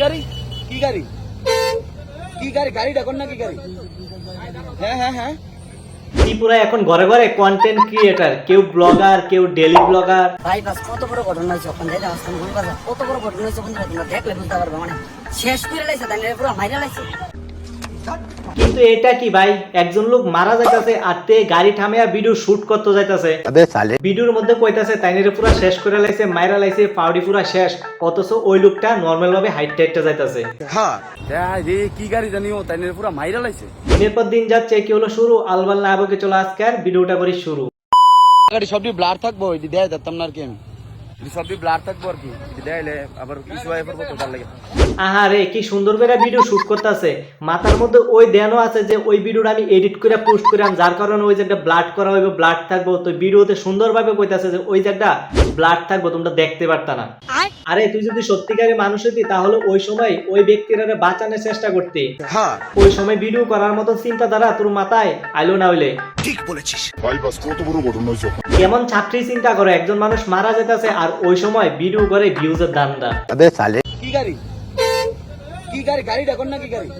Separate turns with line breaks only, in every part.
গাড়ি কি গাড়ি কি গাড়ি গাড়িটা কোন না কি গাড়ি হ্যাঁ হ্যাঁ হ্যাঁ
ত্রিপুরা এখন ঘরে ঘরে কন্টেন্ট ক্রিয়েটার, কেউ ব্লগার, কেউ ডেলি ব্লগার।
ভাই বাস কত বড় ঘটনা হয়েছে ওখান থেকে আসতাম কোন কথা কত বড় ঘটনা হয়েছে বন্ধুরা তোমরা দেখলে বুঝতে পারবে মানে শেষ করে লাইছে তাই পুরো মাইরা লাইছে।
কিন্তু এটা কি ভাই, একজন লোক মারা যাইতাছে আর তে গাড়ি থামিয়া ভিডিও শুট করতে যাইতাছে। ভিডিওর মধ্যে কইতাছে তাইনের পুরো শেষ করে লাইছে, মাইরা লাইছে, পাউডি পুরো শেষ, অথচ ওই লোকটা নরমাল ভাবে হাইট যাইতাছে।
হ্যাঁ রে কি গাড়ি জানিও তাইনের পুরো মাইরা লাইছে।
দিনের পর দিন যাচ্ছে, কি হলো শুরু, আলবাল না আবকে চলো আজকের ভিডিওটা করি শুরু।
গাড়ি সবই ব্লার থাকবো এটি দেয় দিতাম না আর কি, আমি সবই ব্লার থাকবো আর কি দেয়াইলে আবার কিছু হয় পড়বো তো তার লাগে।
আহারে কি সুন্দর করে ভিডিও শুট করতেছে, মাথার মধ্যে ওই ধ্যানও আছে যে ওই ভিডিওটা আমি এডিট করে পোস্ট করাম, যার কারণে ওই জায়গাটা ব্লাড করা হইবে, ব্লাড থাকবো। তো ভিডিওতে সুন্দরভাবে কইতাছে যে ওই জায়গাটা ব্লাড থাকবো, তোমরা দেখতে পারতা না। আরে তুই যদি সত্যিকারের মানুষ হতি তাহলে ওই সময় ওই ব্যক্তিরা বাঁচানোর চেষ্টা করতে।
হ্যাঁ
ওই সময় ভিডিও করার মতো চিন্তাধারা তোর মাথায় আইলো না হইলে।
ঠিক বলেছিস
ভাই বাস কত বড় ঘটনা হয়েছে।
কেমন ছাত্রী চিন্তা করো, একজন মানুষ মারা যেতেছে আর ওই সময় ভিডিও করে ভিউজের দান্দা।
কি গাড়ি কি গাড়ি গাড়িটা কোন না কি গাড়ি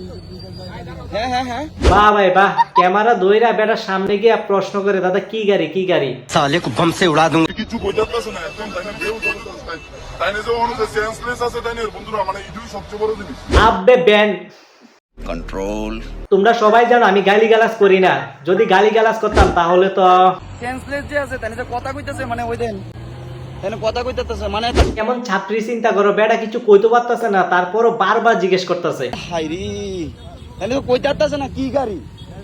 হ্যাঁ হ্যাঁ হ্যাঁ
বাহ ভাই বাহ, ক্যামেরা দইরা বেটার সামনে গিয়ে প্রশ্ন করে দাদা কি গাড়ি কি গাড়ি।
साले को बम से उड़ा दूंगा।
কিছু বোঝাতেছে না একদম, তাই না কেউ চলতেছে তাই না, যে অনুযায়ী সেন্সলেস আছে তাই না বন্ধুরা, মানে এটাই সবচেয়ে বড় জিনিস।
আব্বে ব্যান
কন্ট্রোল।
তোমরা সবাই জানো আমি গালিগালাজ করি না, যদি গালিগালাজ করতাম তাহলে তো
সেন্সলেস যে আছে তাই না কথা কইতাছে, মানে ওই দেন তাই না কথা কইতাছে মানে
কেমন ছাত্রী চিন্তা করো, বেটা কিছু কইতে পারতাছে না তারপরও বারবার জিজ্ঞেস করতেছে।
হাইরি তাই না কইতাছে না কি গাড়ি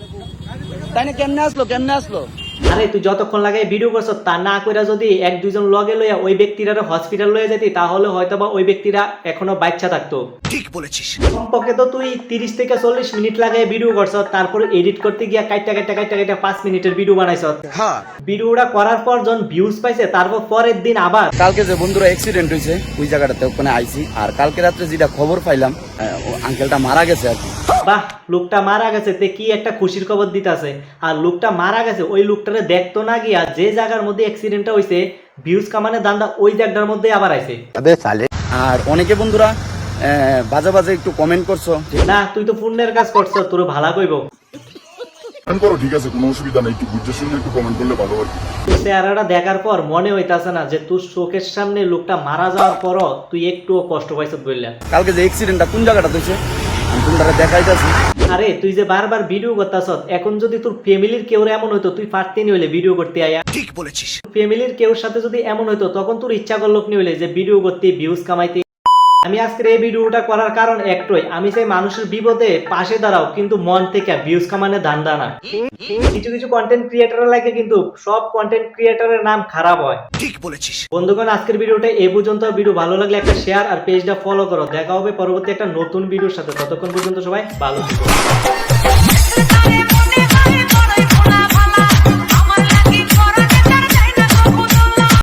তাই না কেমনে আসলো।
আরে তুই যতক্ষণ লাগে ভিডিও করছ তা না কইরা যদি এক দুইজন লগে লইয়া ওই ব্যক্তিরা হসপিটাল লয়ে যেতি তাহলে হয়তোবা ওই ব্যক্তিরা এখনো বাচ্চা থাকতো।
ঠিক বলেছিস।
কমপক্ষে তো তুই 30 থেকে 40 মিনিট লাগে ভিডিও করছ, তারপর এডিট করতে গিয়া কাইটা 5 মিনিটের ভিডিও বানাইছ।
হ্যাঁ
ভিডিওটা করার পর যখন ভিউজ পাইছে তারপর পরের দিন আবার
কালকে যে বন্ধুরা অ্যাক্সিডেন্ট হয়েছে ওই জায়গাটাতে ওখানে আইছি, আর কালকে রাত্রে যেটা খবর পাইলাম আঙ্কেলটা মারা গেছে আর কি।
বাহ, লোকটা মারা গেছে তে কি একটা খুশির খবর দিতাছে। আর লোকটা মারা গেছে ওই লোকটারে দেখতো না গিয়া যে জায়গার মধ্যে অ্যাক্সিডেন্টটা হইছে ভিউজ কামানে দান্দা ওই জায়গাটার মধ্যে আবার আইছে।
আর অনেকে বন্ধুরা বাজে বাজে একটু কমেন্ট করছো।
না তুই তো পুণ্যের কাজ করছো, তোর ভালো কইব।
কমেন্ট করো, ঠিক আছে, কোনো অসুবিধা নেই, একটু বুঝে শুনে একটু কমেন্ট করলে ভালো আর কি।
তুই চেহারাটা দেখার পর মনে হইতাছে না যে তোর চোখের সামনে লোকটা মারা যাওয়ার পরও তুই একটুও কষ্ট পাইছ বললা।
কালকে যে অ্যাক্সিডেন্টটা কোন জায়গাটা হয়েছে আমি তোমরা দেখাইতাছি।
আরে তুই যে বারবার ভিডিও করতাছ, এখন যদি তোর ফ্যামিলির কেউ এমন হইতো তুই পারতি নি হইলে ভিডিও করতে আয়া।
ঠিক বলেছিস।
ফ্যামিলির কেউ সাথে যদি এমন হইতো তখন তোর ইচ্ছা করলো নি হইলে যে ভিডিও করতে ভিউজ কামাইতে। আমি আজকের এই ভিডিওটা করার কারণ একটাই, আমি চাই মানুষের বিপদে পাশে দাঁড়াও কিন্তু মন থেকে ভিউজ কামানে দান্দা না। কিছু কিছু কন্টেন্ট ক্রিয়েটরের লাগে কিন্তু সব কন্টেন্ট ক্রিয়েটরের নাম খারাপ হয়।
ঠিক বলেছিস।
বন্ধুগণ আজকের ভিডিওটা এই পর্যন্ত। ভিডিও ভালো লাগলে একটা শেয়ার আর পেজটা ফলো করো। দেখা হবে পরবর্তী একটা নতুন ভিডিওর সাথে, ততক্ষণ পর্যন্ত সবাই ভালো থাকো।